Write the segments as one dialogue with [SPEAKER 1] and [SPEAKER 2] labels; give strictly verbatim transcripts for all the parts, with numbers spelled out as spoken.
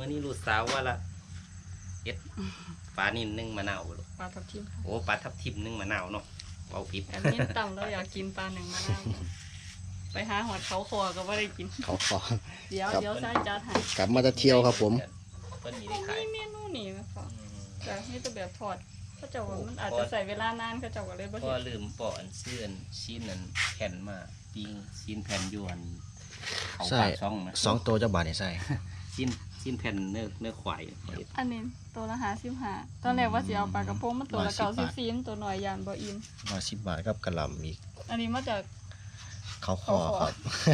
[SPEAKER 1] มื่อนี้ลูกสาวว่าละเอ็ดปลานิ่นนึ่งมะนาว
[SPEAKER 2] ปลาทับทิม
[SPEAKER 1] โอ้ปลาทับทิมนึ่งมะนาวเนาะเอาผิด
[SPEAKER 2] อันนี้ต่ำเราอยากกินปลาหนึ่งมะนาวไปหาหอดเขาคอก็ไม่ได้กิน
[SPEAKER 3] เขาคอ
[SPEAKER 2] เดี๋ยวเดี๋ยวใส่จานให้
[SPEAKER 3] กลับมาจะเที่ยวครับผม
[SPEAKER 2] มีเมนูนี่ไหมคะแต่นี่จะแบบทอดเขาจะว่ามันอาจจะใส่เวลานานเขาจะว่าเลยบ่เห็น
[SPEAKER 1] ก็ลืมปอนเสื่อนชิ้นนั้นแผ่นมาปิ้งชิ้นแผ่นยวน
[SPEAKER 3] ใส่สองตัวเจ้าบาทเนี่ยใส่
[SPEAKER 1] ชิ้นชิ้นแผ่นเนื้อเนื้อควาย
[SPEAKER 2] อันนี้ตัวละห้าสิบห้าตอนแรกว่าจะเอาปลากระพงมันตัวละเก้าสิบซีนตัวหน่อยยานบ่อิ่ม
[SPEAKER 3] ร้อยสิบบาทกับกระหล่ำอีก
[SPEAKER 2] อันนี้มาจาก
[SPEAKER 3] เขาคอครับ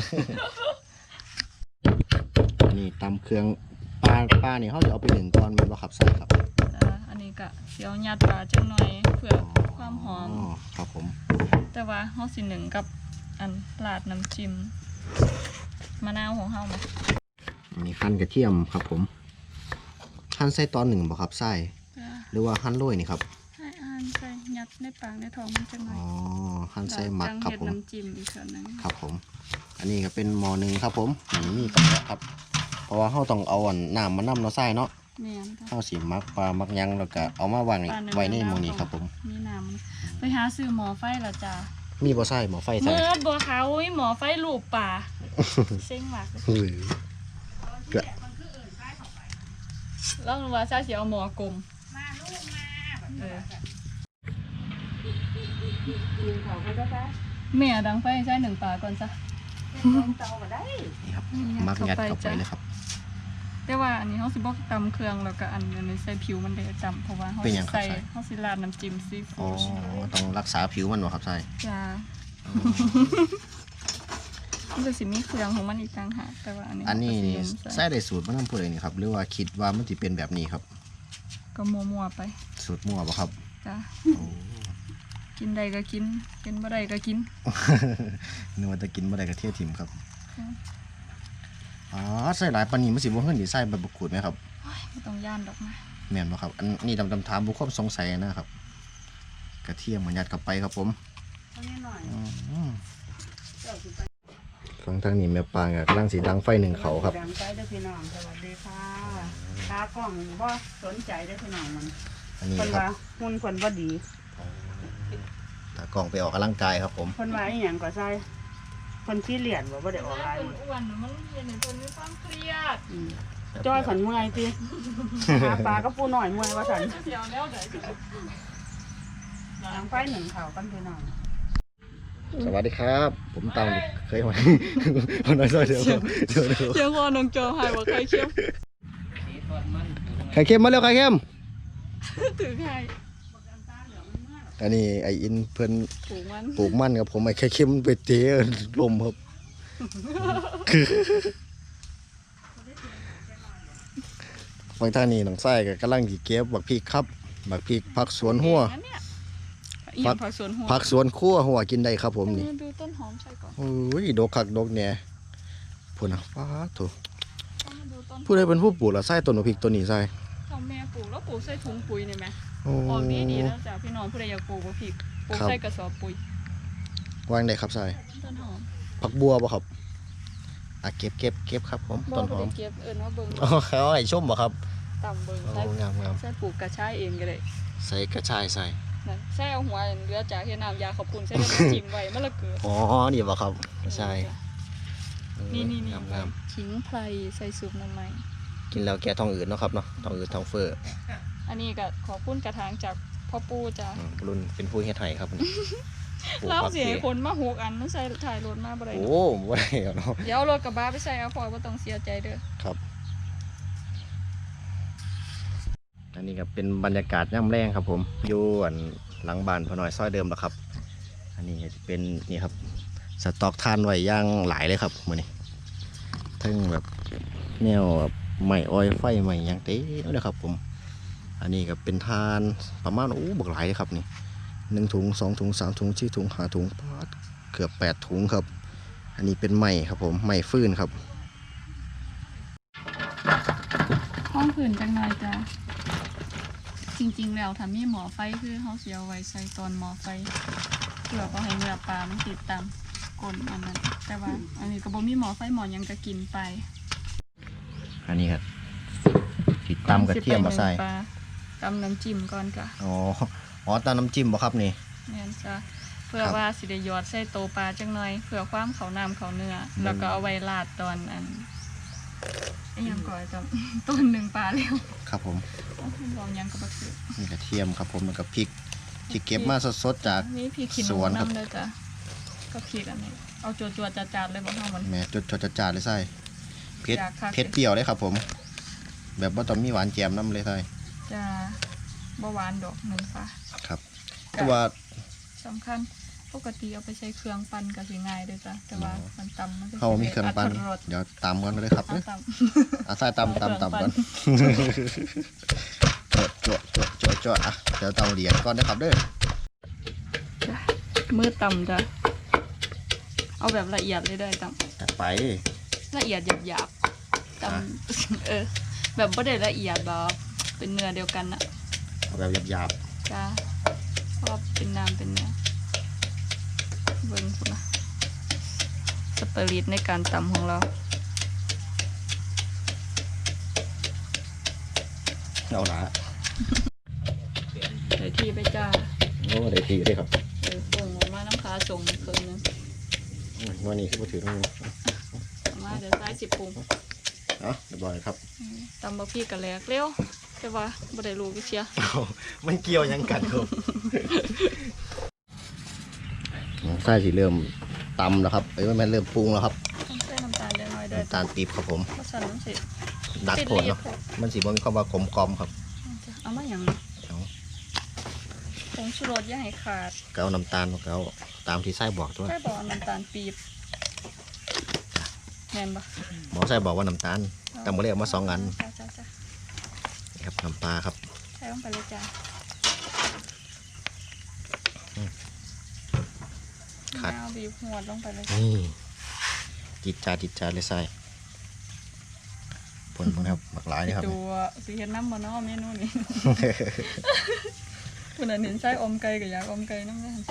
[SPEAKER 3] นี่ตำเครื่องปลาปลาเนี่ยเขาจะเอาไปหนึ่งตอนมันว่าขับใส่ครับ
[SPEAKER 2] อันนี้ก็เสียวยัดปลาจังหน่อยเพื่อความหอม
[SPEAKER 3] ครับผม
[SPEAKER 2] แต่ว่าเขาสิหนึ่งกับอันลาดน้ำจิ้มมะนาวของเขาไหม
[SPEAKER 3] นี่หั่นกระเทียมครับผมหั่นใส่ตอนหนึ่งบ่ครับใส่หรือว่าหั่นโรยนี่ครับ
[SPEAKER 2] ให้หั่นใส่ยัดในปากในท้องมันจังหน่อย
[SPEAKER 3] อ๋อหั่นใส่หมักครับผม
[SPEAKER 2] น้ำจิ้มอีกส่วนนึง
[SPEAKER 3] ครับผมอันนี้ก็เป็นหม้อหนึ่งครับผมนี่มีกระเพาะครับเพราะว่าเขาต้องเอาน้ำมานำเนาะใส่เนาะเขาสีมักปลามักยังแล้วก็เอามาวางไว้ในหม้อนี้ครับผม
[SPEAKER 2] มีน้ำไปหาซื้อหม้อไฟละจ้า
[SPEAKER 3] มีบ่ใส่หม้อไฟใส่
[SPEAKER 2] เมื่อบ่เขาหม้อไฟลูกป่าเซ็งมากเกิดแล้วว่าซาเสียเอาหม้อกลมมาลูกมาเออแม่ดังไฟใช้หนึ่งปลาก่อนซะ
[SPEAKER 3] นี่ครับมักงัดเข้าไปเลยครับ
[SPEAKER 2] แต่ว่าอันนี้เขาสิบอกตำเครื่องแล้วก็อันนี้ใส่ผิวมันได้จำเพราะว่าเขาใส่เขาสิราดน้ำจิ้มซีฟู้ด
[SPEAKER 3] อ๋อต้องรักษาผิวมันวะครับใช่
[SPEAKER 2] จ้ามันจะสิมีเครื่องของมันอีกต่างหากแต่ว่าอันนี้
[SPEAKER 3] อันนี้ใส่ได้สูตรมันต้องพูดอะไรนี่ครับหรือว่าคิดว่ามันจะเป็นแบบนี้ครับ
[SPEAKER 2] ก็มัวๆไป
[SPEAKER 3] สูตรมัวปะครับ
[SPEAKER 2] จ้ากินใดก็กินกินบ่ได้ก็กิน
[SPEAKER 3] นึกว่าจะกินบ่ได้ก็เที่ยวถิ่มครับอ๋อใส่หลายปานนี้มันสิบ่เฮิ่นสิใส่ใบมะกรูดไหมครับ
[SPEAKER 2] ไม่ต้องย่านดอกนะ
[SPEAKER 3] แม่นบ่ครับอันนี้ดำๆถามบุคคลสงสัยนะครับกระเทียมมันยัดเข้าไปครับผมฟังทางนี้แม่ปางกำลังสีดังไฟหนึ่งเขาครับ
[SPEAKER 4] ดังไฟได้พี่น้องสวัสดีค่ะตากล้องบ่สนใจได้พี่น้องมัน
[SPEAKER 3] อันนี้
[SPEAKER 4] ครับหุ่นคนบ่ดี
[SPEAKER 3] ตากล้องไปออกกำลังกายครับผม
[SPEAKER 4] คนว่าอีหยังก็ใช่คนขี้เหรียญบ่บ่ได้ออกไลน์
[SPEAKER 2] อ้วนมันเย็นในคนมีความเครียด
[SPEAKER 4] จ้อยขันเมื่อยติหาปลาก็ปูหน่อยเมื่อยว่าสันดังไฟหนึ่งเขากันพี่น้อง
[SPEAKER 3] สวัสดีครับผมตามเคยมาคนน้อยซอยเดียวเดี๋ยวเดี๋ยว
[SPEAKER 2] เชียงคอน้องโจหายว่าใครเข้ม
[SPEAKER 3] ไข่เค็มมาเร็วไข่เค็ม
[SPEAKER 2] ถือไข่
[SPEAKER 3] อันนี้ไออินเพิ่น
[SPEAKER 2] ปลูกมัน
[SPEAKER 3] ปลูกมันครับผมไอไข่เค็มไปเตะลมครับคือบางท่านนี่หนังไส้ก็กำลังดีเก็บบักพริกครับบักพริกผักสวนหัว
[SPEAKER 2] ผักผักสวนหัว
[SPEAKER 3] ผักสวนคั่วหัวกินได้ครับผมนี่
[SPEAKER 2] ดูต้นหอมใช่ก่อน
[SPEAKER 3] โอ้ยดอกคักดอกเนี่ยพูดนะฟ้าถูกผู้ใดเป็นผู้ปลูกละไส้ต้นพริกต้นนี้ไส้
[SPEAKER 2] เขาแม่ปลูกแล้วปลูกใส่ถุงปุ๋ยนี่ไหมออกดีดีแล้วจ้ะพี่น้องผู้ใดอยากปลูกบักพริกปลูกใส่กระสอบปุ๋ยว
[SPEAKER 3] างได้ครับไส้
[SPEAKER 2] ต้นหอม
[SPEAKER 3] ผักบัวป่ะครับอ่ะเก็บเก็บเก็บครับผมต้นหอม
[SPEAKER 2] เก็บเอิญว่าเบิ้ง
[SPEAKER 3] อ๋อเขาไอ้ชมป่ะครับ
[SPEAKER 2] ต่ำเบิ้งใส่
[SPEAKER 3] งามงาม
[SPEAKER 2] ใส่ปลูกกระชายเองก็ได้
[SPEAKER 3] ใส่กระชายใส่
[SPEAKER 2] ใส่เอาหัวเรือจากเฮ็ดน้ำยาขอบคุณใส่น้ำจิ้มไว้มะละเกอ
[SPEAKER 3] อ๋อนี่ป่ะครับใช่
[SPEAKER 2] นี่นี่นี่ขิงไพรใส่ซุปน้ำมัน
[SPEAKER 3] กินแล้วแกท้องอืดเนาะครับเนาะท้องอืดท้องเฟ้อ
[SPEAKER 2] อันนี้ก็ขอปุ้นกระถางจากพ่อปู่จ้ะ
[SPEAKER 3] รุ่นเป็นผู้เฮ็ดไห้ครับ
[SPEAKER 2] เล่าเสียคนมาหกอันต้องใส่ถ่ายรถมาบ่ได้
[SPEAKER 3] โอ้บ่ได้เนาะ
[SPEAKER 2] เดี๋ยวรถกระบะไปใส่เอาพอบ่ต้องเสียใจเด้อ
[SPEAKER 3] ครับอันนี้ก็เป็นบรรยากาศย่ำแรงครับผมอยู่หลังบ้านพอน้อยซอยเดิมแล้วครับอันนี้จะเป็นนี่ครับสต็อกทานไว้ย่างหลายเลยครับมื้อนี้ทั้งแบบแนวแบบไม้อ้อยไฟไม้ย่างเต้เลยครับผมอันนี้ก็เป็นทานประมาณโอ้บักหลายเลยครับนี่หนึ่งถุงสองถุงสามถุงสี่ถุงห้าถุงเกือบแปดถุงครับอันนี้เป็นไม้ครับผมไม้ฟืนครับ
[SPEAKER 2] ห้องผื่นจังหน่อยจ้ะจริงๆแล้วถ้ามีหมอไฟคือเขาเสียไว้ใส่ตอนหมอไฟเพื่อก็ให้เนื้อปลามันติดตามก้นอันนั้นแต่ว่าอันนี้ก็บ่มีหมอไฟหมอยังก็กินไป
[SPEAKER 3] อันนี้ครับสิตำกระเทียมมาใส่
[SPEAKER 2] ปลาตำน้ำจิ้มก่อนจ้ะ
[SPEAKER 3] อ๋ออ๋อตำน้ำจิ้มบ่ครับนี่
[SPEAKER 2] แม่นจ้ะเพื่อว่าสิได้หยอดใส่โตปลาจังหน่อยเพื่อความเขาน้ำเขาเนื้อแล้วก็เอาไว้ราดตอนอันไอ้หยังก่อนจ้ะ ต้นหนึ่งปลาเร็ว
[SPEAKER 3] ครับผม
[SPEAKER 2] ลองยังกับบักเขือ
[SPEAKER 3] นี่กระเทียมครับผมแล้วก็พริกที่เก็บมาสดๆจาก
[SPEAKER 2] นี่พริกขี้ห
[SPEAKER 3] ส
[SPEAKER 2] นู
[SPEAKER 3] วนครับ
[SPEAKER 2] น้ำเลยจ้ะก็พริกอันนี้เอาจวดๆจัดๆเลยบ่เฮามัน
[SPEAKER 3] แม่จดจดจ่าเลยใส่เผ็ด
[SPEAKER 2] อยากคัก
[SPEAKER 3] เผ็ดเปรี้ยวเลยครับผม แบบว่าต้องมีหวานแจมน้ำเลยใส่
[SPEAKER 2] จะบ่หวานดอกหนึ่งปลา
[SPEAKER 3] ครับแต่ว่า
[SPEAKER 2] สำคัญปกติเอาไปใช้เครื่องปั่นก็สิง่ายเด้อจ้ะแต่ว่ามันตำมันจะ
[SPEAKER 3] เขามีเครื่องปั้น
[SPEAKER 2] รส
[SPEAKER 3] เดี๋ยวตำกันเลยครับ
[SPEAKER 2] เอา
[SPEAKER 3] เด้อ
[SPEAKER 2] ตำ
[SPEAKER 3] อาใส่ตำตำตำก่อนโจดโจดโจดโจดอ่ะเดี๋ยวตำเหรียญก่อนนะครับเด้อ
[SPEAKER 2] จ้ะมือตำจ้ะเอาแบบละเอียดเลยได้ต
[SPEAKER 3] จัดไป
[SPEAKER 2] ำละเอียดหยาบๆตำ เออ แบบไม่ได้ละเอียดแบบเป็นเนื้อเดียวกันนะ
[SPEAKER 3] เอาแบบหยาบ
[SPEAKER 2] จ้ะชอบเป็นน้ำเป็นเนื้อเบิ้งคุณนะสเปริตในการตำของเรา
[SPEAKER 3] ๆเอาละ
[SPEAKER 2] เดี๋ยวทีไปจ้า
[SPEAKER 3] โอ้ได้ทีได้ครับ
[SPEAKER 2] เออส่งออกมาน้ำค้าส่งเครื่องนึง
[SPEAKER 3] วันนี้คือมาถือตรงนี้
[SPEAKER 2] ออกมาเดี๋ยวซ้ายสิบปรุง
[SPEAKER 3] เนาะเรียบร้อยครับ
[SPEAKER 2] ตำบะพี่กันแหลกเร็วแต่ว่าบ่ได้รู้วิเชีย
[SPEAKER 3] มันเกี่ยวยังกันครับไส้สีเริ่มตำแล้วครับเอ้ยมันเริ่มปรุงแล้วครับ
[SPEAKER 2] ต้องใส่น้ำตาลเล็กน้อยด้วย
[SPEAKER 3] น้ำตาลปี๊บครับผม
[SPEAKER 2] เพราะฉะนั้นสิ
[SPEAKER 3] ดักโผล่เนาะมันสีมันมีความว่าขมกลอมครับ
[SPEAKER 2] เอามาอย่าง
[SPEAKER 3] เอา
[SPEAKER 2] ผงชูรสอย่าให้ขาด
[SPEAKER 3] ก็เอาน้ำตาลก็เอาตามที่ไส้บอกด้วย
[SPEAKER 2] ใช่บอกน้ำตาลปี๊บแม่นปะ
[SPEAKER 3] หมอไส้บอกว่าน้ำตาลแต่หมอเรียกมาสองอัน
[SPEAKER 2] จ้าจ้าจ้า
[SPEAKER 3] นี่ครับน้ำปลาครับ
[SPEAKER 2] ใส่ลงไปเลยจ้า
[SPEAKER 3] ขาด
[SPEAKER 2] มะนาวบีบหัวลงไปเลย
[SPEAKER 3] นี่จิตจาจิตจาเลยไส้ผลมันครับหลากหลายนี่ครับ
[SPEAKER 2] ดูสีเห็ดน้ำมันเนาะเมนูนี้ คุณอันเห็นไส้อมไก่กับยาอมไก่น้ำเนี่ย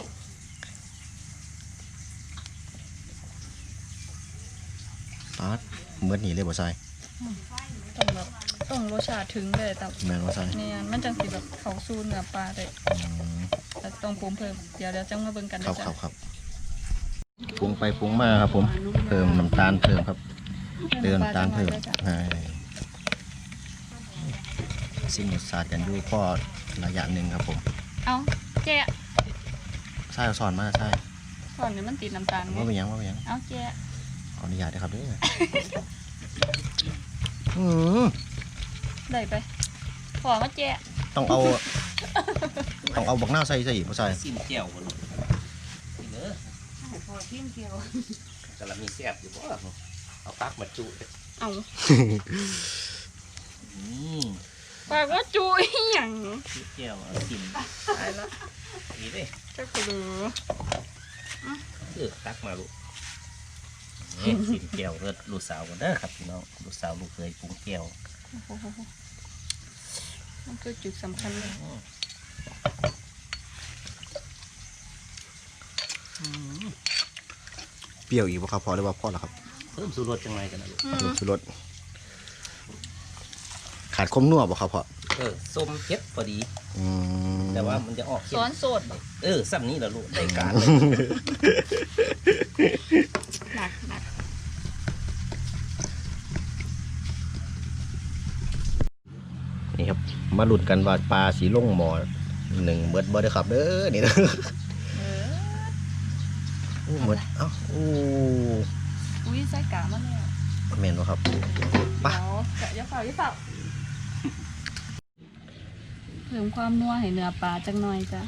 [SPEAKER 3] ปาดเมื่อนี่เลยบ่ไส้
[SPEAKER 2] ต้องแบบต้องรสชาติถึงเลยแต่
[SPEAKER 3] แม่นว่าไส้
[SPEAKER 2] เนี่ยมันจังสีแบบเขาซูเนื้อปลาได้
[SPEAKER 3] อืม
[SPEAKER 2] แต่ต้องปรุงเพิ่มเดี๋ยวเดี๋ยวจังมาเบิ่งกัน
[SPEAKER 3] ครั
[SPEAKER 2] นะ
[SPEAKER 3] บครั
[SPEAKER 2] จ๊ะ
[SPEAKER 3] บครับปรุงไปปรุงมาครับผมเพิ่มน้ำตาลเพิ่มครับเติมน้ำตาลเพิ่มใช่สิ่งรสชาติกันอยู่พอระยะหนึ่งครับผม
[SPEAKER 2] เอาแกะ
[SPEAKER 3] ไส้เอาสอนมาไส้
[SPEAKER 2] ก่อนนี้มันติดน้ำตาลไง
[SPEAKER 3] ว่าเป็นหยังว่าเป็นหยัง
[SPEAKER 2] เอาแกะ
[SPEAKER 3] ขออนุญาตนะครับเด้วย อืม
[SPEAKER 2] ได้ไปขอมาแกะ
[SPEAKER 3] ต้องเอา ต้องเอาบักหน้าวใส่ใส่อีกบ่ใส่
[SPEAKER 1] ซิมแก้วบ่ลูกนี่เด้อ
[SPEAKER 2] พอทิ่มเกียว
[SPEAKER 1] กำลังมีแซ่บอยู่บ่เอาปักมาจุเลย
[SPEAKER 2] เอา
[SPEAKER 1] อืม
[SPEAKER 2] ปากว่าจุยหยัง
[SPEAKER 1] ซิมแก้วเอาซิม
[SPEAKER 2] ตายละ
[SPEAKER 1] นี่เด้
[SPEAKER 2] จะกระดู
[SPEAKER 1] เออตักมาลูกนี่ซิมแก้วเอิ้นลูกสาวกันเด้อครับพี่น้องลูกสาวลูกเคยปรุงแก้ว
[SPEAKER 2] มันคือจุดสำคัญเลย
[SPEAKER 3] เปรี้ยวอีกบ่ครับพอหรือว่าพอแล้วครับ
[SPEAKER 1] เพิ่มสูตรรสจังไรกันนะลูก
[SPEAKER 2] อื
[SPEAKER 3] เพิ่
[SPEAKER 2] ม
[SPEAKER 3] มชูรสขาดคมนัวบ่ครับพ่อ
[SPEAKER 1] เออส้มเผ็ดพอดี
[SPEAKER 3] อืม
[SPEAKER 1] แต่ว่ามันจะออกเค็ม
[SPEAKER 2] ซ้อนโสดบ่
[SPEAKER 1] เออซ้ำนี้แหละลูกได้การเลย
[SPEAKER 2] หนักหนัก
[SPEAKER 3] นี่ครับมาลุ้นกันว่าปลาสีลงหมอหนึ่งเบิดบ่ได้อครับเด้อนี่นะ
[SPEAKER 2] เออ
[SPEAKER 3] อู้หมดเอ้าอู้
[SPEAKER 2] อุ้ยใส่กามันแล้ว
[SPEAKER 3] แม่นบ่ครับ ไป
[SPEAKER 2] เดี๋ยวกะอย่าเฝ้าอย่าเฝ้าเพิ่มความนัวให้เนื้อปลาจังหน่อยจ้ะ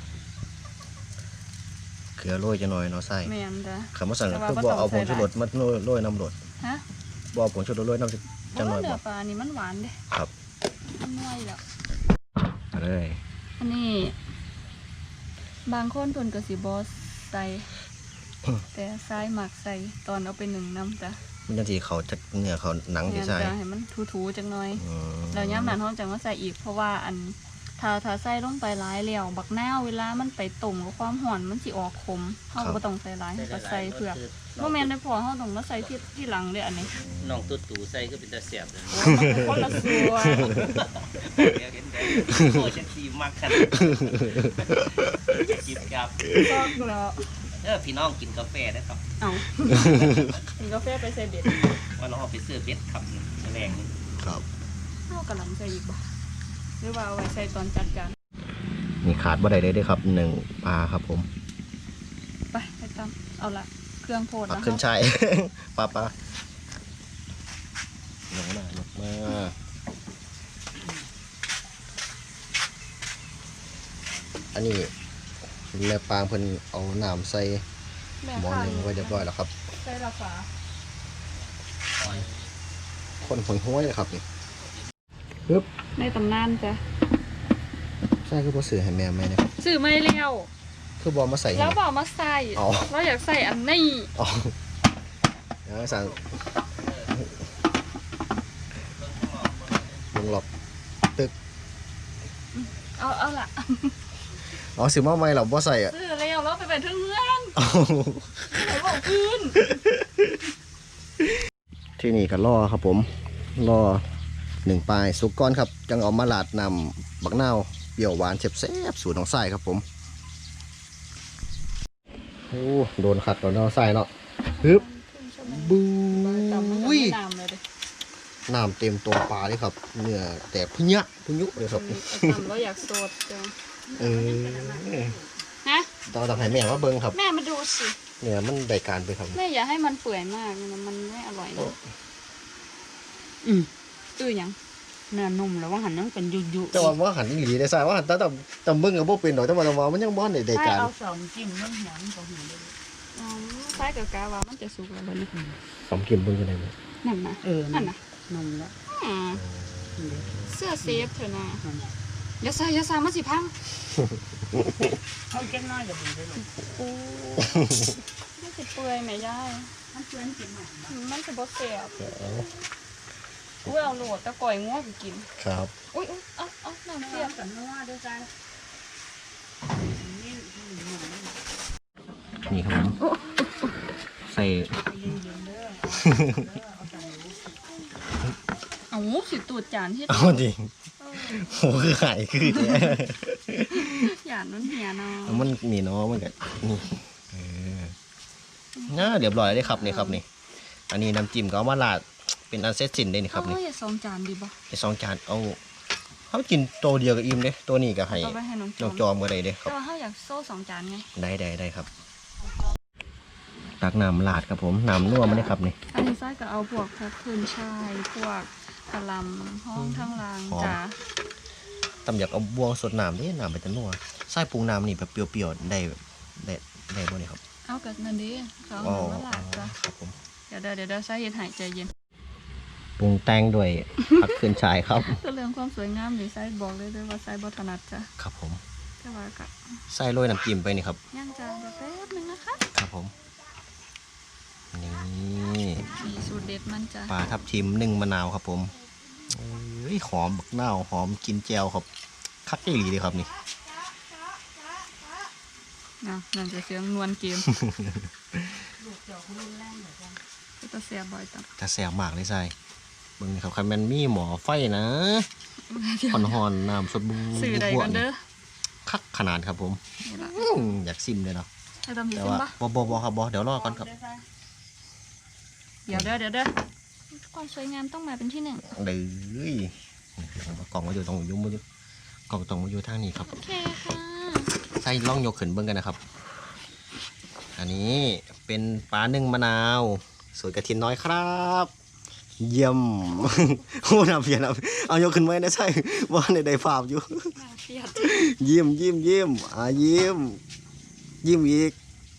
[SPEAKER 3] เกลือโรยจะหน่อยเนาะใส่
[SPEAKER 2] แม่นจ้ะ
[SPEAKER 3] คำว่าสั่ง
[SPEAKER 2] แต่
[SPEAKER 3] ก็
[SPEAKER 2] ว่า
[SPEAKER 3] คือบ่
[SPEAKER 2] บ่ต้อง
[SPEAKER 3] เอาผง
[SPEAKER 2] ใส่
[SPEAKER 3] ชูรสมาโรยน้ำรส
[SPEAKER 2] ฮะ
[SPEAKER 3] บ่เอาผงชูรสโรยน้ำ
[SPEAKER 2] เพ
[SPEAKER 3] จัง
[SPEAKER 2] ราะ
[SPEAKER 3] หน่
[SPEAKER 2] ว่า
[SPEAKER 3] อย
[SPEAKER 2] เนื้
[SPEAKER 3] บ่
[SPEAKER 2] อปลานี่มันหวานเด้
[SPEAKER 3] ครับ
[SPEAKER 2] มันนัวอยู่แล้ว
[SPEAKER 3] เอาเลย
[SPEAKER 2] อันนี้บางคนเพิ่นก็สิบ่ใส่ แต่ซ้ายหมักใส่ตอนเอาไปหนึ่งน้ำจ้ะ
[SPEAKER 3] มันจังสิเขาจะเนื้อเขาหนังสิ
[SPEAKER 2] แม่น
[SPEAKER 3] ใส่
[SPEAKER 2] จ้ะให้มันถูๆจังหน่อย
[SPEAKER 3] อืม
[SPEAKER 2] แล้วย้ำนั้นเฮาจังว่าใส่อีกเพราะว่าอันถ้าถ้าใส่ลงไปหลายแล้วบักนาวเวลามันไปต้มกับความร้อนมันสิออกขมเฮาก็บ่ต้องใส่หลายก็ใส่เพื่อบ่แม่นได้พอเฮาต้องมาใส่ที่ที่หลังเด้ออันนี้
[SPEAKER 1] น้องตุ๊ดตู่ใส่ก็เป็นตาเสียบเลย
[SPEAKER 2] โอ้มันเป็นคนละส่วน
[SPEAKER 1] เดี๋ยวเห็นได้โอ้ฉันสีมากขนาดจิบกับ
[SPEAKER 2] ซอกแล้ว
[SPEAKER 1] เออพี่น้องกินกาแฟนะครับ
[SPEAKER 2] เอ้ากินกาแฟไปใส่เบ็ด
[SPEAKER 1] ว่าน้องเอาไปซื้อเบ็ดขับแรงนี่
[SPEAKER 3] ครับ
[SPEAKER 2] เฮากำลังใส่อีกบ่หรือว่าเอาไว้ใส่ตอนจัดการ
[SPEAKER 3] นี่ขาดบ่ได้เลยเด้อครับหนึ่งปลาครับผม
[SPEAKER 2] ไปไปตามเอาละเครื่องโพด
[SPEAKER 3] ปัก
[SPEAKER 2] นะ
[SPEAKER 3] ขึ้น
[SPEAKER 2] คะ
[SPEAKER 3] ชาย ปลาปลาลงมาลงมาอันนี้แม่ปางเพิ่นเอาน้ำใส่
[SPEAKER 2] แม่
[SPEAKER 3] หม้อ
[SPEAKER 2] ข้า
[SPEAKER 3] หนึงไว้เรียบร้อยแล้วครับ
[SPEAKER 2] ใส่ละฝา
[SPEAKER 3] คนหอยห้วยเลยครับนี่ปึ๊บ
[SPEAKER 2] ในตำนานจ้ะ
[SPEAKER 3] ใช่คือบ่ซื้อให้แม่แม่เนี่ย
[SPEAKER 2] ซื้อไม่เลี้ยว
[SPEAKER 3] คือบ่มาใส่
[SPEAKER 2] แล้วบอกมาใส่
[SPEAKER 3] อ๋อ
[SPEAKER 2] เราอยากใส่อันนี้
[SPEAKER 3] อ๋อแล้วสั่งลงหลบตึก
[SPEAKER 2] เอาเอาละ
[SPEAKER 3] อ๋อซื้อมาใหม่เราบ่ใส่อ่ะ
[SPEAKER 2] ซื้อแล้วแล้วไปเป็นเพื่อน
[SPEAKER 3] อ๋อ
[SPEAKER 2] ไหนบอกคืน
[SPEAKER 3] ที่นี่ก็รอครับผมรอหนึ่งปลายสุกก้อนครับจังเอามาลาดนำบักนาวเปรี้ยวหวานเแซ่บๆสูตรของไส้ครับผมโอ้โดนขัดตอนเอาไส้เนาะฮึบบู
[SPEAKER 2] ตำมันจะ
[SPEAKER 3] วิ
[SPEAKER 2] ไม่น้ำเลยดิ
[SPEAKER 3] น้ำเต็มตัวปลาเลยครับเนื้อแตกพุญะพุยุเลยครับ
[SPEAKER 2] ตำเราอยากโสดจัง
[SPEAKER 3] เออ
[SPEAKER 2] ฮะ
[SPEAKER 3] ต้องต้องให้แม่ว่าเบิ้งครับ
[SPEAKER 2] แม่มาดูสิ
[SPEAKER 3] เนี่ยมันได้การไปครับ
[SPEAKER 2] แม่อย่าให้มันเปื่อยมากนะมันไม่อร่อยนะอืมตื้อหยัง
[SPEAKER 4] เนื้อนุ่มแล้วว่าหันยังเป็นยุยุ
[SPEAKER 3] แต่ว่าว่าหันอีหลีได้ใส่ว่าหันแต่แต่แต่เบิ้งกับพวกเป็นดอกแต่ว่าแต่ว่ามันยังบ้านได้ได้
[SPEAKER 4] ถ้า
[SPEAKER 3] การ
[SPEAKER 4] เอาสองจิ้มเรื่องหยังก็หูเลย
[SPEAKER 2] อ๋อใส่กับกาว่ามันจะสุกแล้วบ่นี่
[SPEAKER 3] สมกินเบิ้งกันได้ไหม
[SPEAKER 2] นั่นนะ
[SPEAKER 4] เออ
[SPEAKER 2] นั่นนะ
[SPEAKER 4] นุ่มแล้ว
[SPEAKER 2] อ่าเสื้อเซฟเถอะนะอย่าใส่อย่าใส่มันสิพัง
[SPEAKER 4] เขาเจ้าน้อยก็ดีเลยลูก
[SPEAKER 2] โอ้มันสิเปื่อยไหมยาย
[SPEAKER 4] มันเพื่อนกินหน่อย
[SPEAKER 2] มันสิบ่แซ่บอุ้ยเอาโหลดตะก่อยงัวไปกิน
[SPEAKER 3] ครับ
[SPEAKER 2] อุ้ยอุ้ยเอาเอาน้ำ
[SPEAKER 4] เที
[SPEAKER 2] เสี
[SPEAKER 4] ย
[SPEAKER 2] ย
[SPEAKER 4] บบ กันนัวด้วยใจนี่
[SPEAKER 3] นี่ครับผมใส่
[SPEAKER 2] เอาสิตูดจานที่
[SPEAKER 3] เอาจริงโหคือไข่คือแท้
[SPEAKER 2] หยาดมันเหี่ยเนาะ
[SPEAKER 3] มันนี่เนาะมันก็นี่เออน่าเรียบร้อยเลยครับนี่ครับนี่ อันนี้น้ำจิ้มก็เอามาราดเป็นอันเสร็จสิ้นได้นี่ครับนี่
[SPEAKER 2] เอาไว้สองจานดีบ่
[SPEAKER 3] ไอสองจานเอาเขากินตัวเดียวกับอิ่มเด้ตัวนี้ก็ให้
[SPEAKER 2] เอาไปให้น้องจ
[SPEAKER 3] น้
[SPEAKER 2] อ
[SPEAKER 3] อง
[SPEAKER 2] ม
[SPEAKER 3] จอมก็ได้เด้ครั
[SPEAKER 2] แต่
[SPEAKER 3] บ
[SPEAKER 2] ว่าเขาอยากโซ่สองจานไง
[SPEAKER 3] ได้ได้ได้ครับ ตักน้ำลาดครับผมน้ำนัวมาเลยครับนี่
[SPEAKER 2] อันนี้ไส้ก็เอาพวกพวกคืนชายพวกกะหลำห้องทั้งรางจ้า
[SPEAKER 3] ตำอยากเอาบวงสดน้ำเด้น้ำไปจะนัวไส้ปรุงน้ำนี่แบบเปรี้ยวๆได้ได้ได้บ่เนี่ยครับ
[SPEAKER 2] เอากับนั่นดิเขา
[SPEAKER 3] อ๋อ
[SPEAKER 2] เอามาหลากจ้ะ
[SPEAKER 3] ครับผม
[SPEAKER 2] เดี๋ยวเดี๋ยวเดี๋ยวไส้เย็นหายใจเย็น
[SPEAKER 3] ปรุงแต่งด้วย ผักขึ้นชายครับ
[SPEAKER 2] ก็เรื่องความสวยงามนี่ไส้บอกเลยด้วยว่าไส้บถนัดจ้ะ
[SPEAKER 3] ครับผม
[SPEAKER 2] แต่ว่าก็
[SPEAKER 3] ไส้โรยน้ำจิ้มไปนี่ครับ
[SPEAKER 2] ย่างจานเดี๋ยวแป๊บนึงนะคะ
[SPEAKER 3] ครับผมนี่
[SPEAKER 2] นี่สูตรเด็ดมันจ้ะ
[SPEAKER 3] ปลาทับทิมนึ่งมะนาวครับผมเอ้ยหอมบักนาวหอมกินแจวครับคักอีหลีเลยครับนี่
[SPEAKER 2] นะนั่นจะเสียงนวลเกมก็จะเสียบ่อยจัง
[SPEAKER 3] จะแสบมากเลยใส่เบิ่งนี่ครับคันแมันมีหมอไฟนะหอนหอนๆน้ำสดบู
[SPEAKER 2] สื่อใดกันเด้อ
[SPEAKER 3] คักขนาดครับผม
[SPEAKER 2] นี่ละ
[SPEAKER 3] อื้ออยากซิมเลยเนาะ
[SPEAKER 2] ให้ทำดี
[SPEAKER 3] แต่
[SPEAKER 2] ขึ้น
[SPEAKER 3] ว่า
[SPEAKER 2] ปะ
[SPEAKER 3] บอบอบอครับบอเดี๋ยวรอก่อนครับ
[SPEAKER 2] เดี๋ยวเด้อเดี๋ยวเด้อความสวยงามต้องมาเป็นที่หนึ่ง
[SPEAKER 3] เด้ยกล่องมาอยู่ตรงยุ่มมาอยู่กล่องตรงมาอยู่ทางนี้ครับ
[SPEAKER 2] โอเคค่ะ
[SPEAKER 3] ใส่ล่องยกขึ้นเบิ่งกันนะครับ อันนี้เป็นปลานึ่งมะนาวสวยกระทินน้อยครับ เยี่ยม โอ้น้ำเพียนเอาเอายกขึ้นไว้นะใช่ว่าในใดภาพอยู่
[SPEAKER 2] น่าเครียด
[SPEAKER 3] ยิ้มยิ้มยิ้มอ่ายิ้มยิ้มอีก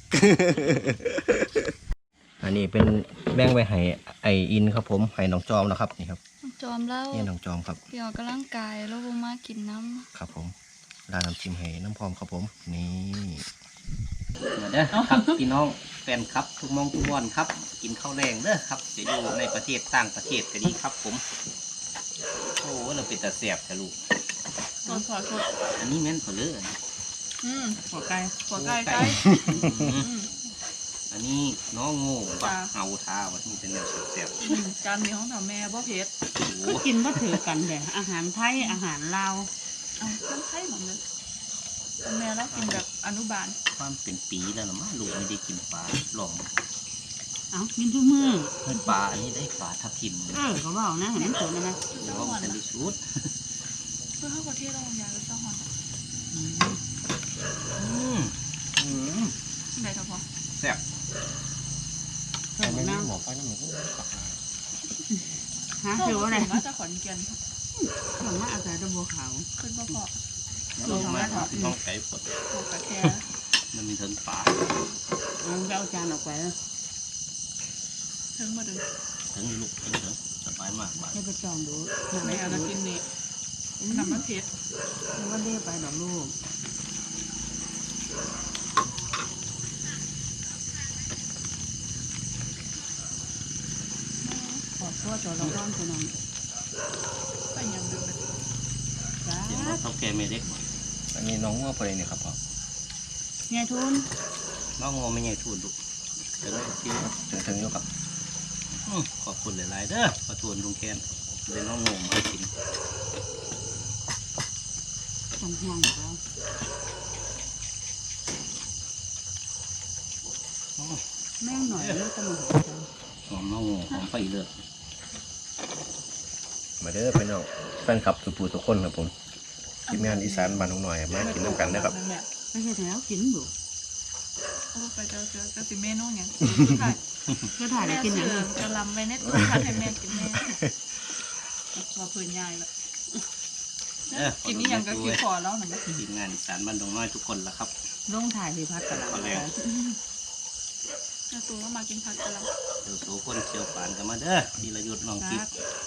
[SPEAKER 3] อันนี้เป็นแบ่งไว้ให้ไออินครับผมให้น้องจอมนะครับนี่ครับ
[SPEAKER 2] จอมแล้ว
[SPEAKER 3] นี่น้องจอมครับ
[SPEAKER 2] เดี๋ยวกำลังกายแล้วบ่มากินน้ำ
[SPEAKER 3] ครับผมร้านน้ำจิ้มให้น้ำพร้อมครับผมนี่
[SPEAKER 1] เด้อครับพี่น้องแฟนครับทุกมองทุกวันครับ กินข้าวแรงเด้อครับจะอยู่ในประเทศต่างประเทศก็ดีครับผมโอ้เราเป็นตาเสียบทะลุ
[SPEAKER 2] สดขอสด
[SPEAKER 1] อันนี้แม่นเผลอ
[SPEAKER 2] อืม
[SPEAKER 4] หัวไก่
[SPEAKER 2] หัวไก่ไก่อืม
[SPEAKER 1] อันนี้น้องโง่บัก
[SPEAKER 2] จ้ะ
[SPEAKER 1] เฮาท่าว่านี่เป็นแนวแซ่บ
[SPEAKER 2] อืมจานนี้ของเถาแม่บ่เผ็ด
[SPEAKER 1] ๆโอ้โห
[SPEAKER 4] ก็กินบ่ถือกันแต่อาหารไทยอาหารลาว
[SPEAKER 2] เอาน้ำไข่หมดเลยแม่แล้วกินแบบอนุบาล
[SPEAKER 1] ความเป็นปีแล้วนะมั้งลูกไม่ได้กินปลาหลอง
[SPEAKER 4] เอ้ากินทุกมื้อ
[SPEAKER 1] เฮ้ยปลาอันนี้ได้ปลาทับทิมเลย
[SPEAKER 4] เออเขาบอกนะเห็นมันสวยนะนะ
[SPEAKER 1] หรือว่ามันเป็นชุด
[SPEAKER 2] เพื่อเข้าประเทศเรายาแล้วเจ้าหอน
[SPEAKER 4] อืม
[SPEAKER 1] อืมอืม
[SPEAKER 2] ที่ไหนครับพ่อ
[SPEAKER 1] แซ่บ
[SPEAKER 4] เถือน้
[SPEAKER 3] หมอไฟน้ำหมูก็ปักลาย
[SPEAKER 4] ำหาเถืออะไร
[SPEAKER 2] มาจากขอนแก่น
[SPEAKER 4] ส่วนมากอาศัยตะบัวขาว
[SPEAKER 2] ขึ้นบ่พอ
[SPEAKER 1] ลงมาน้องไก่ปด
[SPEAKER 2] พอกระแท
[SPEAKER 1] มันมีเทิงปลา
[SPEAKER 4] เอาไปเอาจานออกไปแล้ว
[SPEAKER 2] ถึงมาดึง
[SPEAKER 1] เทิงลูกเทิงเทิงสบายมากบาด
[SPEAKER 4] ให้ไปจองดู
[SPEAKER 2] แม่เอาน้ำกินนี่น้ำมันเผ็ด
[SPEAKER 4] ไม่ว่าได้ไปดอกลูกขอโทษตัวเราร้อนตัวน้อง
[SPEAKER 2] ไปยังดึงเลย
[SPEAKER 4] จ้า
[SPEAKER 1] เห็นว่าเท่าแก่ไม่เล็กบ่
[SPEAKER 3] อันนี้น้องว่าไปเนี่ยครับพ่อ
[SPEAKER 4] ไงทุน
[SPEAKER 1] น้องโง่ไม่ใหญ่ทูนลูกเดี๋ยวไม่กิน
[SPEAKER 3] ถึงถึงอยู่ครับ
[SPEAKER 1] อืมขอบคุณหลายๆเด้อขอทวนลุงแคนเดี๋ยวน้องโง่มาให้กิน
[SPEAKER 4] ต้องห่วงเขา
[SPEAKER 1] อ๋อ
[SPEAKER 4] แม่งหน่อยเลือกตะมุน
[SPEAKER 1] หอมน้องโง่หอมไฟเลือด
[SPEAKER 3] มาเด้อพี่น้องแฟนคลับสุภูทุกคนครับผมทีมงานอีสานบ้านน้องหน่อยมากินน้ำกันนะครับ
[SPEAKER 2] แม่
[SPEAKER 4] ไม่ใช่แล้วกินอยู่
[SPEAKER 2] โอ้ไปเจอเจอจะสิเมนูอย่าง
[SPEAKER 4] เพื่อถ่ายแล้ว
[SPEAKER 2] แม่
[SPEAKER 4] กินอย่าง
[SPEAKER 2] เสือ
[SPEAKER 4] นี้
[SPEAKER 2] กระลำไว้ในตู้คัดให้แม่กินแม่ว่าพื้นใหญ่ละ
[SPEAKER 1] เด้อ
[SPEAKER 2] กินนี่ยังก็กินพอแล้วนะ
[SPEAKER 1] ทีมงานอีสานบ้านดงน้อยทุกคนละครับ
[SPEAKER 4] ลงถ่ายสิพัดกระหล่ำ
[SPEAKER 1] ขอแล้ว
[SPEAKER 2] แม่ตูก็มากินผัดกระลำ
[SPEAKER 1] เดี๋ยวโซคนเชียวปานกันมาเด้อทีละยุทธน้องกิ๊บ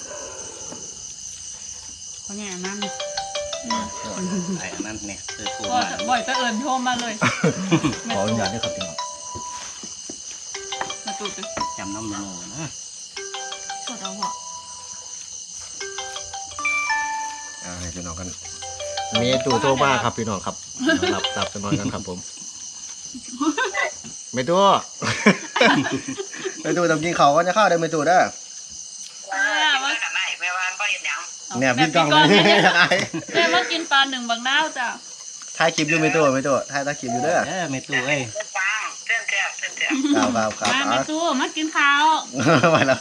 [SPEAKER 4] เพราะเนี่ยนั่น
[SPEAKER 1] ไอ้อันนั้นเนี่ยเธอโทร
[SPEAKER 2] บ่
[SPEAKER 1] มา
[SPEAKER 2] บ่อยจะเอิญโทรมาเลย
[SPEAKER 3] ขออนุญาตด้วยครับพี่น้อง
[SPEAKER 2] แม่ตูจะ
[SPEAKER 1] จำน้ำโนนะ
[SPEAKER 2] สดเอาเหรอ
[SPEAKER 3] อ่าให้พี่น้องกันเมตูโตบ้าครับพี่น้องครับหลับหลับจะนอนกันครับผมเมตู เมตูต้องกินเขาวก็จะเข้าได้เมตูได้อ
[SPEAKER 2] ว่า
[SPEAKER 5] กันไหนแม่วานก็เห็นยัง
[SPEAKER 3] เนี่ยพี่กล้องเลย
[SPEAKER 2] แม่มากินปลาหนึ่งบางน้าวจ้ะ
[SPEAKER 3] ถ่ายคลิปอยู่เมตูเมตูถ่ายตาคลิปอยู่เด้อ
[SPEAKER 1] เด้อเมตูเอ้ย
[SPEAKER 5] เส้นฟางเส้นเทียบเส้นเทียบ
[SPEAKER 3] ครับครับครับ
[SPEAKER 4] มา
[SPEAKER 3] อ่ะ
[SPEAKER 4] แม่ตู้มากินข้าว
[SPEAKER 3] ไปแล้ว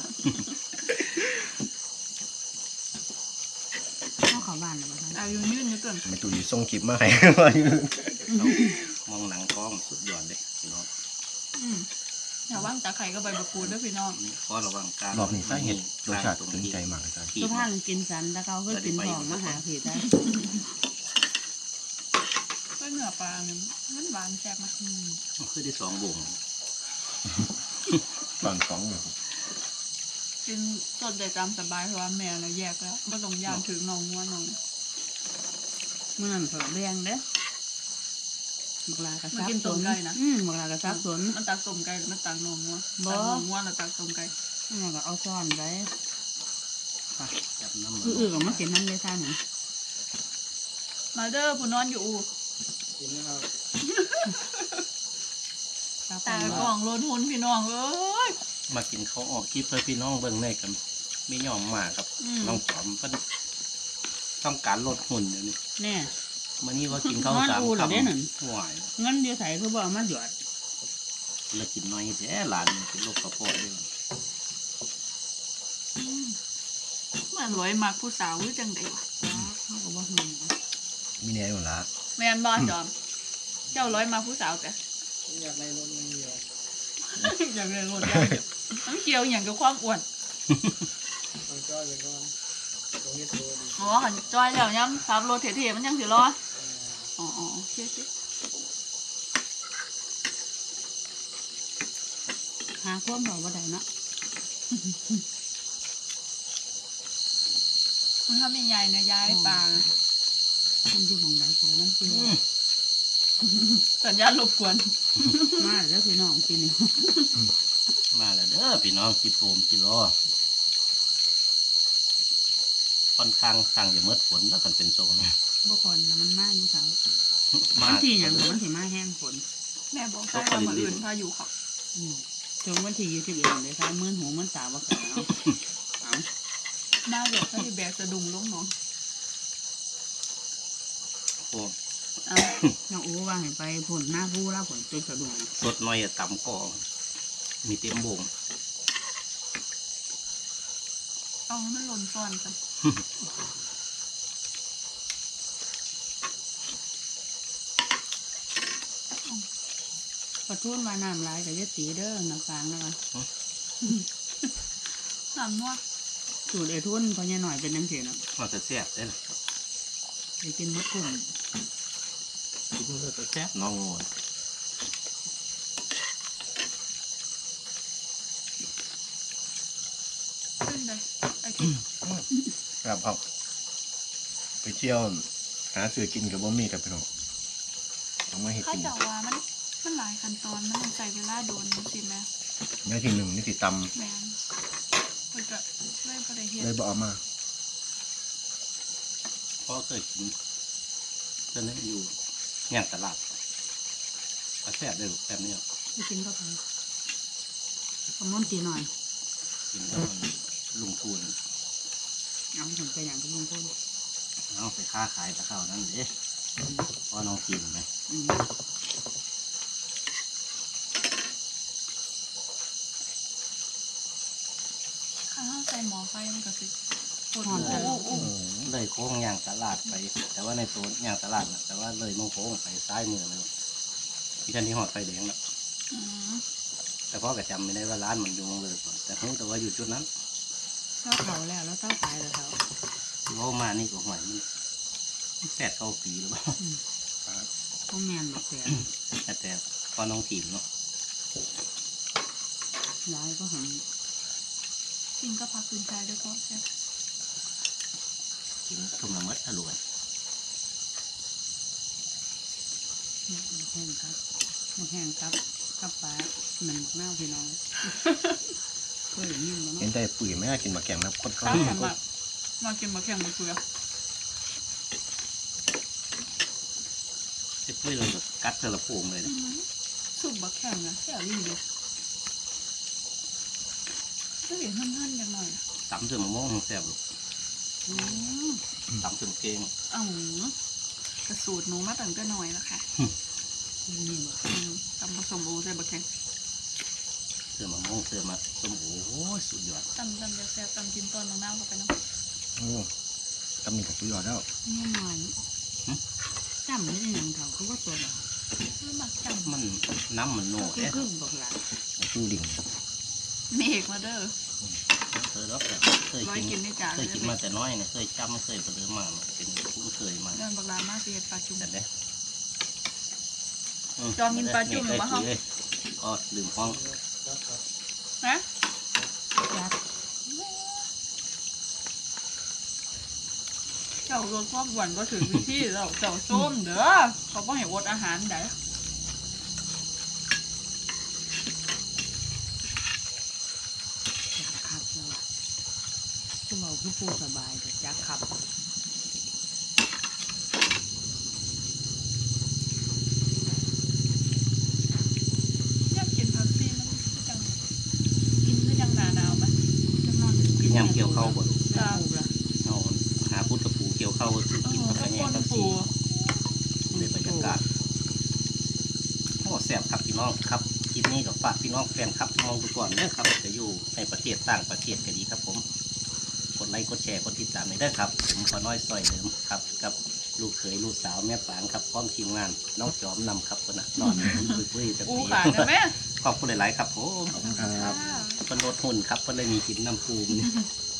[SPEAKER 4] เข้าเขาบ้านนะบ้าน
[SPEAKER 2] เอาอยู่ยืนอยู่เกิน
[SPEAKER 3] เมตูอยู่ส่งคลิปมาให้ มาอยู่
[SPEAKER 1] มองหนังกล้องสุดยอดเลยพี่น้อง
[SPEAKER 2] อืมอย่าว่างตาไข่ก็ใบมะกรูดด้วยพี่น้อง
[SPEAKER 1] นี่ข้อระวังการ
[SPEAKER 3] รอบนี้สาเหตุรสชาติถึงใจมากเลยครับ
[SPEAKER 1] ที่
[SPEAKER 4] ทุกท่านกินสันแล้วเขาก็กินหอมมาหาผิดได้
[SPEAKER 2] ก็เนื้อปลาเนี่ยมันหวานแซ่บมาก
[SPEAKER 1] คือได้สองบ่ง
[SPEAKER 3] ตอนสองอยู่
[SPEAKER 2] กินสดได้ตามสบายเพราะว่าแม่เราแยกแล้วก็ต้องย่างถึงน้องงัวน้อง
[SPEAKER 4] เมื่อนั้นเผลอแรงเด้บักลากระซับสนอืมบักลากระซับสน
[SPEAKER 2] มันตักต้มไก่หรือมันตักน้องงัว
[SPEAKER 4] บ่
[SPEAKER 2] ตักน้องงัวแล้วตักต้มไก่
[SPEAKER 4] นี่ก็เอาซ่อนไว้
[SPEAKER 1] จับน้ำมัน
[SPEAKER 4] คืออื่นก็มากินนั่นเลยท่าน
[SPEAKER 2] มาเด้อผู้นอนอยู่อู่ตากล่องโลนหุนพี่น้องเอ้ย
[SPEAKER 1] มากินเขาวออกคลิปเพื่อพี่น้องเบิ่งในกันไม่ยอมมาครับ
[SPEAKER 2] อืม
[SPEAKER 1] น้องจอมก็ต้องการลดหุ่นเดี๋ยวนี้
[SPEAKER 4] เนี่ย
[SPEAKER 1] มันนี่ว่ากินข้าวสาม
[SPEAKER 4] นอนอู่เหรอ
[SPEAKER 1] คำ
[SPEAKER 4] เด้นั่น
[SPEAKER 1] ห่วย
[SPEAKER 4] เงินเดียวใส่คือบอกมาหยอด
[SPEAKER 1] แล้วกินน้อยแท้หลานนี่เป็นโรคกระเพาะด้วย
[SPEAKER 2] เหมือนรวยมากผู้สาวหรือจังไดวะ
[SPEAKER 4] เขาก็บอก
[SPEAKER 3] มีเนี่ยอยู่ละ
[SPEAKER 2] แม่นบ่จอม เจ้าร้อยมาผู้สาวแต่
[SPEAKER 6] อยากได้รถเงินเดียว
[SPEAKER 2] อยากเรียนรถอย่างเดียวน้ำเกียวอย่างกับความอ้วน
[SPEAKER 6] มันก็เลยก็ตรงนี้ตัวดี
[SPEAKER 2] อ๋อหันจอยแล้วย้ำขับรถเท่ๆมันยังสิรออ๋ออ๋อโอเคโอเค
[SPEAKER 4] หาความบอกว่าได้เนาะ
[SPEAKER 2] มันทำยังไงเนี่ยย้ายปลา
[SPEAKER 4] มันอยู่หมองใดสวยมันเจียว
[SPEAKER 2] สัญญาณรบกวน
[SPEAKER 4] มาแล้วพี่น้องกินนี่
[SPEAKER 1] มาแล้วเด้อพี่น้องกิโปมกิโลไฟค่อนข้างข้างจะเมิดฝนแล้วกันเป็นโซน
[SPEAKER 4] บ่คนแล้วมันมาอยู่เสา
[SPEAKER 1] มา
[SPEAKER 4] วันที่หยังก็วันที่มาแห้งฝน
[SPEAKER 2] แม่บอกใช่ว่ามืออื่นพายุเขา
[SPEAKER 4] อืมจนวันที่ยี่สิบเอ็ดเลยค่ะมื่นหูมื่นตาบ่ขาเอาเอา
[SPEAKER 2] มาแบบถ้าที่แบกสะดุ้งลงเนาะ
[SPEAKER 1] โอ้
[SPEAKER 4] เอาน้องอูว่าให้ไปผลหน้าผู้แล้วผลจนสะดุ้ง
[SPEAKER 1] สดน้อยอะต่ำก็มีเต็มโบง
[SPEAKER 2] เอาให้มันหล่นซ้อนกัน
[SPEAKER 4] ขอโทษว่าน้ำลายแต่จะตีเด้อน้ำฟางนะคะ
[SPEAKER 2] สามนวด
[SPEAKER 4] สูตรไอ้ทุนพอเนี่ยหน่อยเป็นนังเสียเนาะ
[SPEAKER 1] มันจะแซ่บได้นะ
[SPEAKER 4] ไปกินมดกลุ่ม
[SPEAKER 1] คิดว่าจะแซ่บน้องงู
[SPEAKER 2] ขึ้นเลยไอ้ที่
[SPEAKER 3] ครับครับไปเที่ยวหาซื้อกินกับบ่มีกับพี่น้องต้องมาเฮ็ด
[SPEAKER 2] ข้า
[SPEAKER 3] กิน
[SPEAKER 2] เจ้าว่ามันมันหลายขั้นตอนมันต้องใช้เวลาโดนสิแม่
[SPEAKER 3] เนื้อที่หนึ่งนี่สิต
[SPEAKER 2] แม่นเพิ่นก็เลยบ่ได้เฮ็
[SPEAKER 3] ำ
[SPEAKER 2] ด
[SPEAKER 3] เลยบ่เอามา
[SPEAKER 1] เพราะเคยกินเพื่อนนั้นอยู่ย่างตลาดก็แซ่บได้ลูกแบบนี้
[SPEAKER 4] ไปกินก็ไปขมอนตีหน่อย
[SPEAKER 1] กินกับลุงทูน
[SPEAKER 4] เอาถึงไปอย่างกับลุงพ่น
[SPEAKER 1] เอาไปค้าขายตะเข้านั่นเด้เพราะน้องกินไหม
[SPEAKER 4] อืม
[SPEAKER 2] ข้าวใส่หม้อไฟมันก็สิปวด
[SPEAKER 4] หอม
[SPEAKER 2] โอ้
[SPEAKER 4] จัง
[SPEAKER 2] โอ้โอ้
[SPEAKER 1] เลยโค้งย่างตลาดไป แต่ว่าในตัวย่างตลาดนะแต่ว่าเลยมองโค้งไปซ้ายมือเลยที่ท่านที่หอดไฟแดงแล้ว
[SPEAKER 2] อืม
[SPEAKER 1] แต่พ่อก็จำไม่ได้ว่าร้านมันอยู่ตรงเลยก่อนแต่รู้แต่ว่าอยู่จุดนั้น
[SPEAKER 4] เต้าเขาแล้วแล้วเต้าขายแล้วเขา
[SPEAKER 1] ที่ว่ามานี่ก็หวยมันแปดเก้าปีหรือเปล่า
[SPEAKER 4] ต้องแมนแบบเสีย
[SPEAKER 1] แต่แต่พอน้องทีมเนาะ
[SPEAKER 4] ย้ายก็หัน
[SPEAKER 2] กินก็พักคืนใจด้วยก็ใช่
[SPEAKER 1] กินทุ่มละเมิดทะลวน
[SPEAKER 4] แห้งครับหมดแห้งครับกับปลาหนึ่งหน้าพี่น้องเคยยินแล้ว
[SPEAKER 3] เห็น
[SPEAKER 4] เนาะ
[SPEAKER 3] ได้ปุ๋ยไหมกินมาแกงน้ำข้น
[SPEAKER 2] ข้าวแข็งแบบมากินมาแข่งมาเกลือ
[SPEAKER 1] ไอ้ปุ้ยเราแบบกัดเธอละโป่งเลยนะ
[SPEAKER 2] สุกบักแข็งนะแค่รีดูก็เห็นหั่นๆกันหน่อย
[SPEAKER 1] ตำเสือมะม่วงแซ่บลูก
[SPEAKER 4] อืม
[SPEAKER 1] ตำเสือมเกง
[SPEAKER 2] อ๋อกระสูตรหนูมาตั้งแต่น้อยแล้วค่ะ
[SPEAKER 4] นี่บ่
[SPEAKER 2] อืมทำผสมโอใส่บักแข็ง
[SPEAKER 1] เสือมะม่วงเสือมะส้มโอ้โหสุดยอด
[SPEAKER 2] ตำตำจะแซ่บตำกินตอนน้ำๆเข้าไปน้ำ
[SPEAKER 3] โอ้ตำนี่กับสุดยอดแล้ว
[SPEAKER 4] นี่หน่อยจำไม่ได้ยังเขาเขาก็ตัวแบบ
[SPEAKER 2] ไม่มักจ
[SPEAKER 1] มันน้ำมันโน่
[SPEAKER 4] คือ
[SPEAKER 1] เอ๊ะ
[SPEAKER 4] ครึ่งบอกหลาน
[SPEAKER 3] จูดิ่ง
[SPEAKER 2] ำเมฆมาเด้อ
[SPEAKER 1] เคยรับแต่เคย
[SPEAKER 2] ร้อย
[SPEAKER 1] กิน
[SPEAKER 2] กินในจาน
[SPEAKER 1] เคยกินมาแต่น้อยเนี่ยเคยจำเคยประเดิมมาเป็นผู้เคยมา
[SPEAKER 2] เดินบักลามาสิเฮ็ดปลาจุ่ม
[SPEAKER 1] แต่เด้
[SPEAKER 2] จอมกินปลาจุ่มหรือเปล่า
[SPEAKER 1] เลยก็ลืมห้อง
[SPEAKER 2] ฮะ
[SPEAKER 4] ยัด
[SPEAKER 2] เจ้ารสชอบหวานก็ถึงวิธีแล้วเจ้าส้มเด้อเขาบ่ให้อดอาหารได้
[SPEAKER 4] จักขับแล้วคือเราคือปูสบายแต่จักขับ
[SPEAKER 2] อยากกินผักซีมันคือจังกินคือจังหนาหนาวไหม
[SPEAKER 4] จังนอน
[SPEAKER 1] กินยำเกี่ยวเข้าบ่ลูก
[SPEAKER 4] จ้าปูละ
[SPEAKER 1] เอาหาพุทธกับปูเกี่ยวเข้าคือ
[SPEAKER 2] เอ
[SPEAKER 1] กิน
[SPEAKER 2] อ
[SPEAKER 1] กับก
[SPEAKER 2] ข้า
[SPEAKER 1] ระ
[SPEAKER 2] ว
[SPEAKER 1] แย
[SPEAKER 2] ข้
[SPEAKER 1] ง
[SPEAKER 2] น
[SPEAKER 1] กับ
[SPEAKER 2] ปู
[SPEAKER 1] สีในบรรยากาศโอ้แซ่บครับพี่น้องครับคลิปนี้กับฝากพี่น้องแฟนครับมองดูก่อนเด้อครับจะอยู่ในประเทศต่างประเทศก็ดีครับผมกดไลค์กดแชร์กดติดตามในเด้อครับผมขอน้อยซอยเดิมครับกับลูกเขยลูกสาวแม่ปางครับพร้อมทีมงานน้องจอมนำครับคนน่ะนอนปุ้ยๆแต่
[SPEAKER 2] ปู
[SPEAKER 1] ปี
[SPEAKER 2] ขาดนะแม่
[SPEAKER 1] ขอบคุณหลายๆครับผม
[SPEAKER 3] ขอบคุณครับ
[SPEAKER 2] ค่ะ
[SPEAKER 1] เพิ่นลดหุ่นครับเพิ่นเลยมีกินน้ำปูมนี่